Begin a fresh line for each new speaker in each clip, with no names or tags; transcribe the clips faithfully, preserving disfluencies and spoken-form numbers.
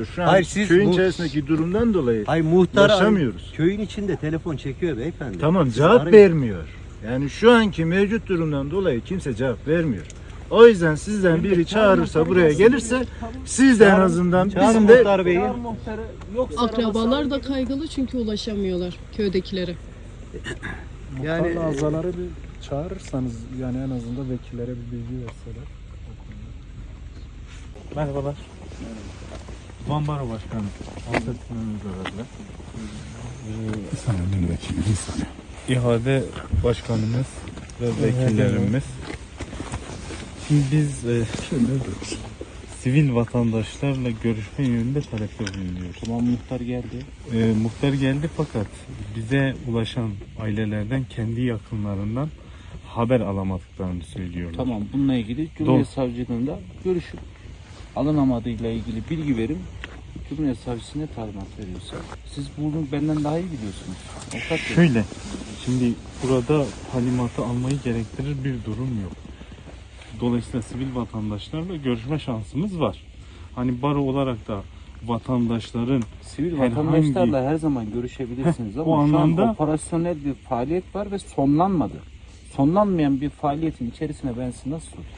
ulaşamıyoruz. Şu an
Hayır, siz
köyün
bu-
içerisindeki durumdan dolayı
Hayır, muhtar
ulaşamıyoruz.
köyün içinde telefon çekiyor beyefendi.
Tamam,
Siz
cevap
arayın.
vermiyor. Yani şu anki mevcut durumdan dolayı kimse cevap vermiyor. O yüzden sizden biri çağırırsa, buraya gelirse, siz de en azından
Çağırın
bizim de
muhtar beyi.
Akrabalar da kaygılı çünkü ulaşamıyorlar köydekilere.
Yani
Muhtarla azaları bir çağırırsanız, yani en azından vekillere bir bilgi verseler.
Merhabalar. Van Baro Başkanı. Anlatımımız aradılar.
Bir saniye vekili, bir saniye.
İhade Başkanımız ve vekillerimiz. Şimdi biz e, sivil vatandaşlarla görüşme yönünde talepte bulunuyoruz.
Tamam, muhtar geldi.
E, muhtar geldi fakat bize ulaşan ailelerden kendi yakınlarından haber alamadıklarını söylüyorlar.
Tamam, bununla ilgili Cumhuriyet Savcılığında görüşüp alınamadığıyla ilgili bilgi verin. Cumhuriyet Savcısı ne talimat veriyorsa. Siz bunu benden daha iyi biliyorsunuz. Avukat bey.
Şöyle, şimdi burada talimatı almayı gerektirir bir durum yok. Dolayısıyla sivil vatandaşlarla görüşme şansımız var. Hani baro olarak da vatandaşların
Sivil
herhangi-
vatandaşlarla her zaman görüşebilirsiniz ama
o
şu
anlamda-
an operasyonel bir faaliyet var ve sonlanmadı. Sonlanmayan bir faaliyetin içerisine ben sizi nasıl sorayım?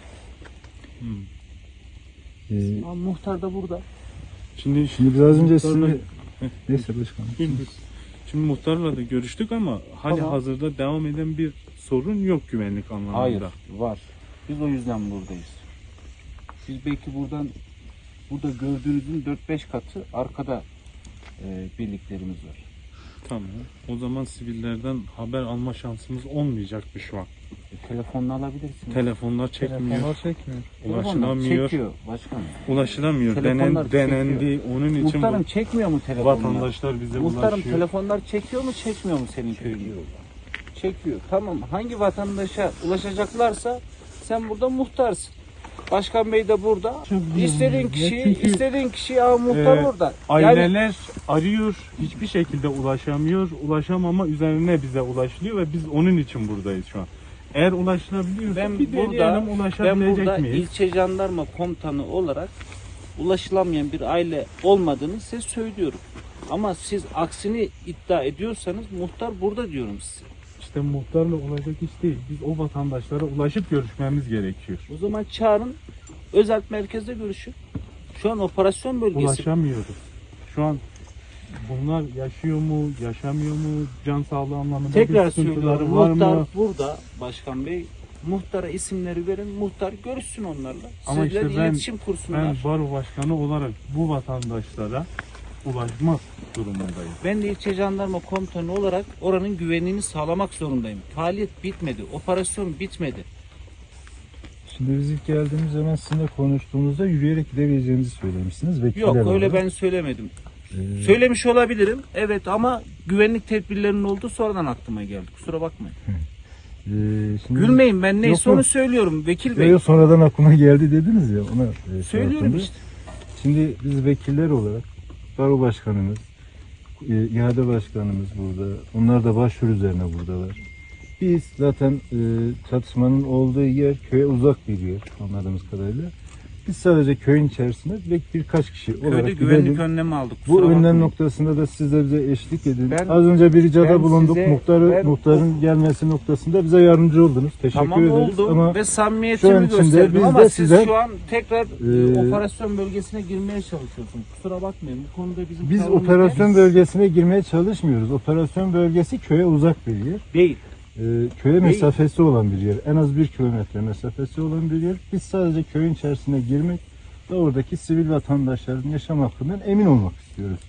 Ee,
Ama muhtar da burada.
şimdi
Şimdi biraz önce
muhtarla-
sizinle... Neyse başkanım.
Şimdi, şimdi muhtarla da görüştük ama hali
Tamam.
hazırda devam eden bir sorun yok güvenlik anlamında.
Hayır, var. Biz o yüzden buradayız. Biz belki buradan, burada gördüğünüzün dört beş katı arkada e, birliklerimiz var.
Tamam. O zaman sivillerden haber alma şansımız olmayacakmış şu an.
E, telefonla alabilirsiniz.
Telefonlar çekmiyor,
Telefonlar çekmiyor.
Telefonlar
ulaşılamıyor.
çekiyor başkanım.
Ulaşılamıyor.
Telefonlar
Denen, denendi. Onun için
Muhtarım
bu
çekmiyor mu telefonlar?
vatandaşlar bize
Muhtarım
ulaşıyor.
telefonlar çekiyor mu çekmiyor mu senin köyünde? Çekiyor. Tamam. Hangi vatandaşa ulaşacaklarsa sen burada muhtarsın. Başkan Bey de burada. İstediğin kişiyi,
Çünkü,
istediğin kişiyi al muhtar
e,
burada. Yani
Aileler arıyor, hiçbir şekilde ulaşamıyor. Ulaşamama üzerine bize ulaşılıyor ve biz onun için buradayız şu an. Eğer ulaşılabiliyorsa
ben
bir
burada,
deneyelim,
ben
ulaşabilecek
burada
miyiz?
ilçe jandarma komutanı olarak ulaşılamayan bir aile olmadığını size söylüyorum. Ama siz aksini iddia ediyorsanız muhtar burada diyorum size.
İşte muhtarla olacak iş değil. Biz o vatandaşlara ulaşıp görüşmemiz gerekiyor.
O zaman çağırın, özel merkezde görüşün. Şu an operasyon bölgesi.
Ulaşamıyoruz. Şu an bunlar yaşıyor mu, yaşamıyor mu, can sağlığı anlamında
Tekrar
bir sıkıntıları
söylüyorum,
var
muhtar
mı?
burada Başkan Bey. Muhtara isimleri verin, muhtar görüşsün onlarla.
Ama
Sizler
işte ben-
iletişim kursunlar.
Ben
Ben,
baro başkanı olarak bu vatandaşlara ulaşmak durumundayım.
ben de ilçe jandarma komutanı olarak oranın güvenliğini sağlamak zorundayım. Faaliyet bitmedi, operasyon bitmedi.
Şimdi biz ilk geldiğimiz zaman sizinle konuştuğumuzda yürüyerek gidebileceğimizi söylemişsiniz. Vekiller
Yok, öyle
olarak.
ben söylemedim.
Ee,
Söylemiş olabilirim, evet, ama güvenlik tedbirlerinin olduğu sonradan aklıma geldi. Kusura bakmayın.
e, şimdi
Gülmeyin, ben neyse
Yok, yok.
onu söylüyorum Vekil Bey.
Yok, sonradan aklıma geldi dediniz ya, ona e,
Söylüyorum
şey yaptım.
işte.
Şimdi biz vekiller olarak baro başkanımız, e, ihade başkanımız burada. Onlar da başvuru üzerine buradalar. Biz zaten e, çatışmanın olduğu yer köye uzak bir yer anladığımız kadarıyla. Biz sadece köyün içerisinde ve birkaç kişi olarak
Köyde güvenlik
gidelim.
önlemi aldık.
Bu
kusura
önlem
bakmayın.
noktasında da siz de bize eşlik edin.
Ben-
Az önce bir ricada
ben
bulunduk.
size-
Muhtarı,
ben-
muhtarın gelmesi noktasında bize yardımcı oldunuz. Teşekkür
Tamam,
ederiz.
oldu
Ama
ve
şu an
samimiyetimi
içinde
gösterdim
biz
ama
de
siz
size-
şu an tekrar
Ee,
e, operasyon bölgesine girmeye çalışıyorsunuz. Kusura bakmayın, bu konuda bizim
biz
tavrımız
operasyon
net
bölgesine girmeye çalışmıyoruz. Operasyon bölgesi köye uzak bir yer.
değil.
Ee, köye mesafesi olan bir yer. En az bir kilometre mesafesi olan bir yer. Biz sadece köyün içerisine girmek ve oradaki sivil vatandaşların yaşam hakkından emin olmak istiyoruz.